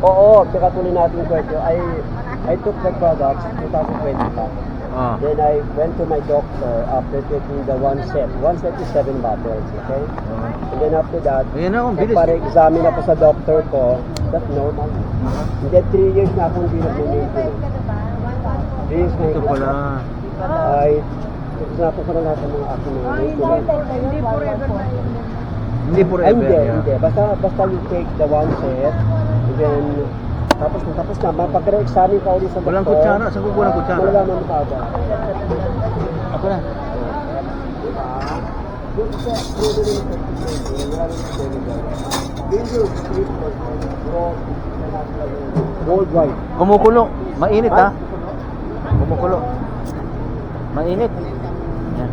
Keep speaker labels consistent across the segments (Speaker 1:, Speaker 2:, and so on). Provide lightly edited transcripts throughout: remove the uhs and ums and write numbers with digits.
Speaker 1: Oo, tsaka tuloy natin kwento. I took the products 2025.
Speaker 2: Ah.
Speaker 1: Then I went to my doctor after taking the one set. One set is 7 bottles, okay? And then after that,
Speaker 2: Ayan na, ang bilis.
Speaker 1: nagpare-examine ako sa doctor ko. That's normal. And then 3 years na akong hindi nag-maintenance. 3 years na
Speaker 2: Ito pala.
Speaker 1: ay sinapo ko na lahat ng mga aking mga maintenance.
Speaker 3: Hindi forever na yun.
Speaker 2: Hindi
Speaker 1: Ay,
Speaker 2: forever.
Speaker 1: hindi,
Speaker 2: yeah.
Speaker 1: hindi. Basta you take the one set, and then tapos na, mapag-re-examine ka ulit sa doktor.
Speaker 2: Walang kutsara, saan ko walang kutsara?
Speaker 1: Malalaman mo kaagad.
Speaker 2: Ako na.
Speaker 1: Worldwide.
Speaker 2: Kumukulo. Mainit ha. Kumukulo. Mainit. Yan.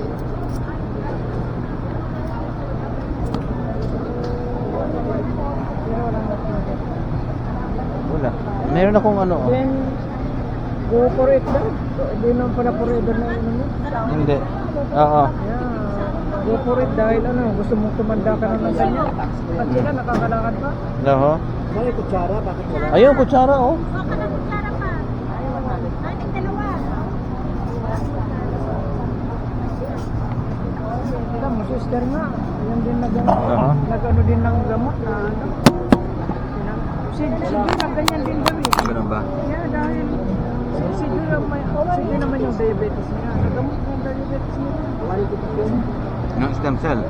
Speaker 2: Wala. Meron akong ano. Oh.
Speaker 3: Then, go for it daw. Hindi naman pala forever na yun.
Speaker 2: Hindi. Oo.
Speaker 3: Yeah. Go for it dahil ano, gusto mong tumanda ka na ng ganyan. At sila nakakalakad pa.
Speaker 2: Oo.
Speaker 1: May kutsara, bakit wala?
Speaker 2: Ayun, kutsara oh.
Speaker 3: Kita mo, sister nga. Ayan din
Speaker 2: Aha.
Speaker 3: nag-ano din ng gamot na ano. Sige na ganyan din kami.
Speaker 2: Ganun ba?
Speaker 3: Yeah, dahil sige naman yung diabetes niya. Nagamot yung diabetes niya.
Speaker 2: Ng stem cell.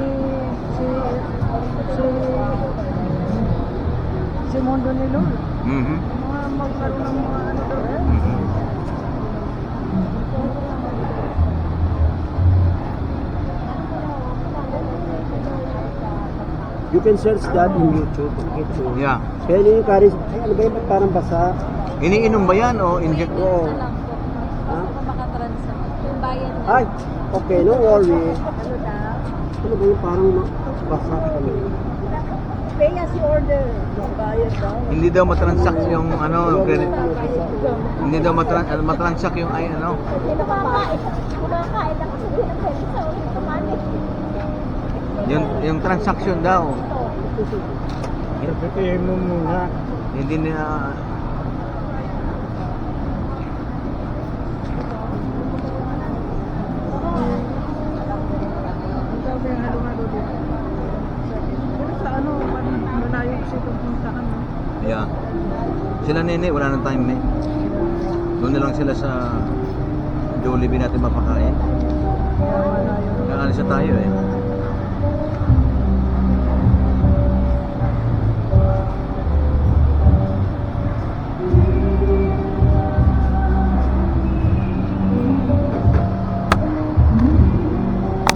Speaker 3: Si Mondo ni Lord.
Speaker 2: Mhm.
Speaker 3: Mga magkaroon ng mga ano daw.
Speaker 2: Mhm.
Speaker 1: You can search that in YouTube.
Speaker 2: Yeah.
Speaker 1: Kaya yun yung karis, ano ba yun, ba't parang basa?
Speaker 2: Iniinom ba yan o inject?
Speaker 1: Oo. Ha?
Speaker 4: Yung bayan niya.
Speaker 1: Ay, okay, no worry.
Speaker 4: Ano daw?
Speaker 1: Ano ba yung parang basa kami?
Speaker 4: Pay as you order. Yung bayad daw.
Speaker 2: Hindi daw matransact yung ano, credit. Hindi daw matransact yung ay ano.
Speaker 4: Hindi kumakain. Kumakain ako sa pinapeli sa ulit kumain.
Speaker 2: Yung transaction daw.
Speaker 1: Repetiin mo muna.
Speaker 2: Hindi na
Speaker 3: Ang sabi yung halo-halo dito. Pero sa ano, malayo kasi itong puntahan. No?
Speaker 2: yeah. Sila nene, wala nang time eh. Doon na lang sila sa Jollibee natin mapakain.
Speaker 3: Kaya malayo.
Speaker 2: Kaalis na tayo eh.